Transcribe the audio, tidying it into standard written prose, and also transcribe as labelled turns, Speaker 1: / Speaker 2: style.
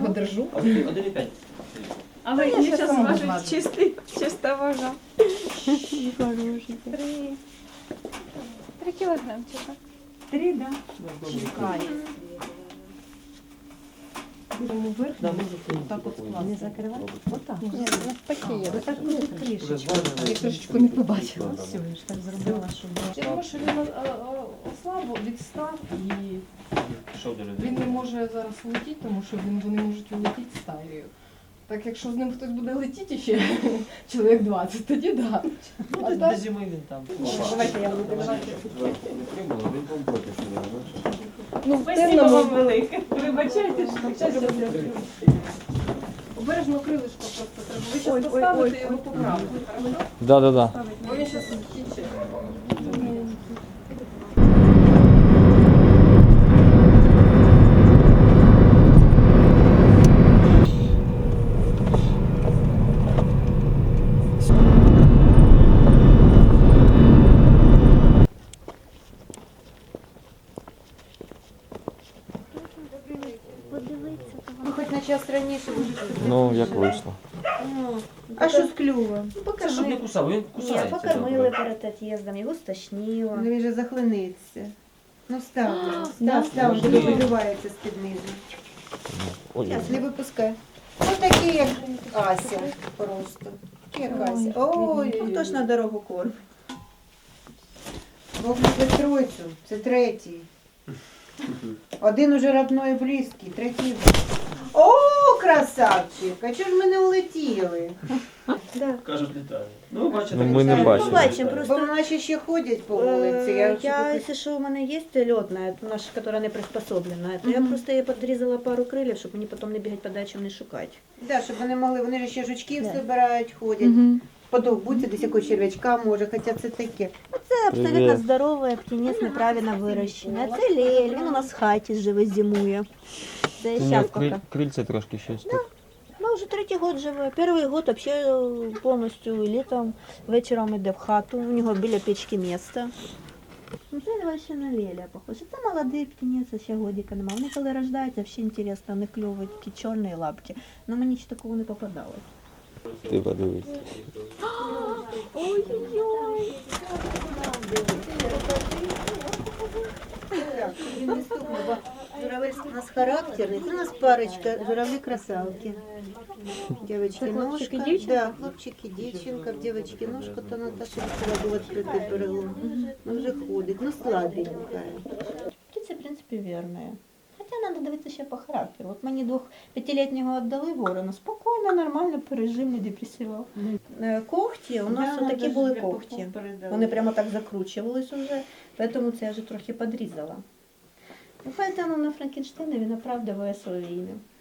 Speaker 1: його держу.
Speaker 2: 1,5.
Speaker 3: Але
Speaker 1: я
Speaker 3: я
Speaker 1: щас
Speaker 3: зараз
Speaker 1: сама
Speaker 3: важу
Speaker 1: зважу.
Speaker 3: чиста вага.
Speaker 4: Хороший.
Speaker 3: 3 кілограмчика.
Speaker 1: 3, да? Чекає. Будемо вверх, так от скласти.
Speaker 4: Не закривати? Отак.
Speaker 3: Ні, навпаки є.
Speaker 4: Отак буде трішечки.
Speaker 1: Я трошечку не побачила.
Speaker 4: Все, я ж так зробила, щоб було.
Speaker 1: Я думаю, що він ослаб, відстав і
Speaker 2: Пішов до
Speaker 1: він
Speaker 2: людей.
Speaker 1: не може зараз летіти, тому що вони можуть улетіти стаєю. Так якщо з ним хтось буде летіти ще чоловік 20, тоді да. А
Speaker 2: До
Speaker 1: так,
Speaker 2: зими він там.
Speaker 1: давайте я буду давати.
Speaker 2: Він компоті, що не знаєш.
Speaker 1: Ну, в
Speaker 3: Спасибо
Speaker 1: темному
Speaker 3: вам велике. Вибачайте, що
Speaker 1: обережно крилишко просто треба. Ви
Speaker 3: Ой,
Speaker 1: зараз
Speaker 3: ой,
Speaker 1: поставите
Speaker 3: ой,
Speaker 1: його поправку.
Speaker 5: Да.
Speaker 1: Бо він зараз тіче.
Speaker 4: Ну, хоч на час раніше буде.
Speaker 5: Ну, як вийшло.
Speaker 4: А що з клювом?
Speaker 2: Це щоб не кусав, він
Speaker 4: Ні,
Speaker 2: кусається.
Speaker 4: покормили перед від'їздом, його стошнило.
Speaker 6: Ну він же захлиниться. Ну став,
Speaker 4: да,
Speaker 6: став,
Speaker 4: можливо.
Speaker 6: вже видувається з-під низу.
Speaker 5: Ой,
Speaker 6: Зараз не випускай. Ось такі, як Ася просто. Такі, як Ася. Ой,
Speaker 4: Ну, хто ж на дорогу кормить?
Speaker 6: Бог це тройцю, це третій. Один уже родной близький, третій. О, красавчик! А чого ж ми не улетіли?
Speaker 2: Кажуть, літає. Ну, бачите.
Speaker 5: Ну, ми не
Speaker 2: так,
Speaker 5: бачимо.
Speaker 4: Побачимо,
Speaker 6: Бо
Speaker 4: просто
Speaker 6: наші ще ходять по вулиці. Я
Speaker 4: якщо що, у мене є льотна, наша, яка не приспособлена, то я просто їй підрізала пару крилів, щоб мені потім не бігати по дачам, не шукати.
Speaker 6: Да, щоб вони могли, вони ж ще жучків
Speaker 4: Да.
Speaker 6: збирають, ходять. Подовбуться десь якогось черв'ячка може, хоча це таке.
Speaker 4: Це абсолютно
Speaker 5: Привіт.
Speaker 4: здоровий птенець, неправильно вирощений. А це лель, він у нас в хаті живе, зимує. Це зараз поки.
Speaker 5: Крильця трошки щось тут.
Speaker 4: Ну, вже третій год живе. Перший год вообще повністю літом, вечором йде в хату, у нього біля печки місце. Ну, це вообще на леля похоже. Це молодий птенець, ще годика немає. Вони коли рождаються, взагалі інтересно, вони клюють такі чорні лапки. Ну мені ще такого не попадалось.
Speaker 5: Ти подивись.
Speaker 4: Ой-ой-ой.
Speaker 6: Так, він не стукнув, бо журавель у нас характерний. Це у нас парочка, журавлі-красавки. Дівчатки,
Speaker 4: Це хлопчик і
Speaker 6: ножка.
Speaker 4: дівчинка?
Speaker 6: Да, хлопчик і дівчинка, в дівчинки ножка, то Наташа хотіла була відкрити перелом. Ну вже ходить, ну слабенька.
Speaker 4: Птиця, в принципі, вірна. Хоча треба дивитися ще по характеру. От мені 2-5-літнього віддали ворона, спокійно, нормально пережив, не депресував. Когті, у нас
Speaker 6: Да,
Speaker 4: такі
Speaker 6: даже
Speaker 4: були
Speaker 6: для
Speaker 4: когті.
Speaker 6: пупок передали.
Speaker 4: Вони прямо так закручувались уже, тому це я вже трохи подрізала. Ну, поэтому на Франкенштейна він оправдыває своє ім'я.